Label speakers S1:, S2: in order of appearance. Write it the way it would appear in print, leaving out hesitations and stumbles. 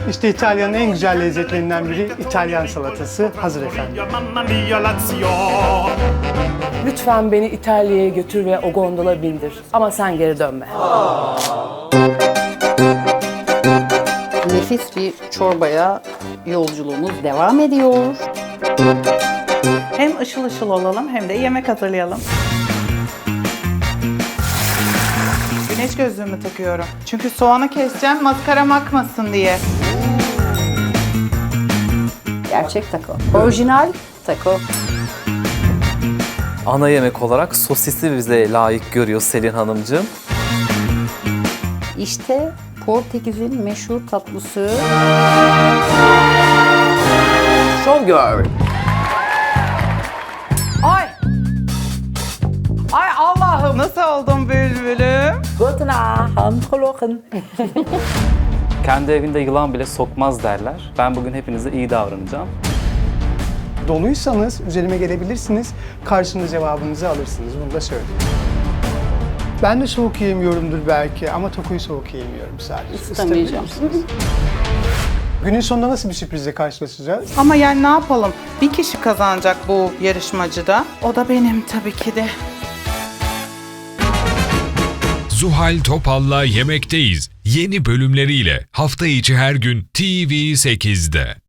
S1: İşte İtalya'nın en güzel lezzetlerinden biri İtalyan salatası hazır efendim.
S2: Lütfen beni İtalya'ya götür ve o gondola bindir. Ama sen geri dönme.
S3: Nefis bir çorbaya yolculuğumuz devam ediyor.
S4: Hem ışıl ışıl olalım hem de yemek hazırlayalım. Güneş gözlüğümü takıyorum. Çünkü soğanı keseceğim maskaram akmasın diye.
S3: Gerçek taco. Orijinal taco.
S5: Ana yemek olarak sosisi bize layık görüyor Selin Hanımcığım.
S3: İşte Portekiz'in meşhur tatlısı.
S2: Show girl.
S4: Ay! Ay Allah'ım! Nasıl oldum bülbülüm?
S2: Guten Abend, Holochen.
S5: Kendi evinde yılan bile sokmaz derler. Ben bugün hepinize iyi davranacağım.
S1: Doluysanız üzerime gelebilirsiniz, karşında cevabınızı alırsınız. Bunu da söyleyeyim. Ben de soğuk yiyemiyorumdur belki ama takoyu soğuk yiyemiyorum sadece.
S3: İstemeyeceğim.
S1: Günün sonunda nasıl bir sürprizle karşılaşacağız?
S4: Ama yani ne yapalım? Bir kişi kazanacak bu yarışmacıda. O da benim tabii ki de.
S6: Zuhal Topal'la Yemekteyiz yeni bölümleriyle hafta içi her gün TV8'de.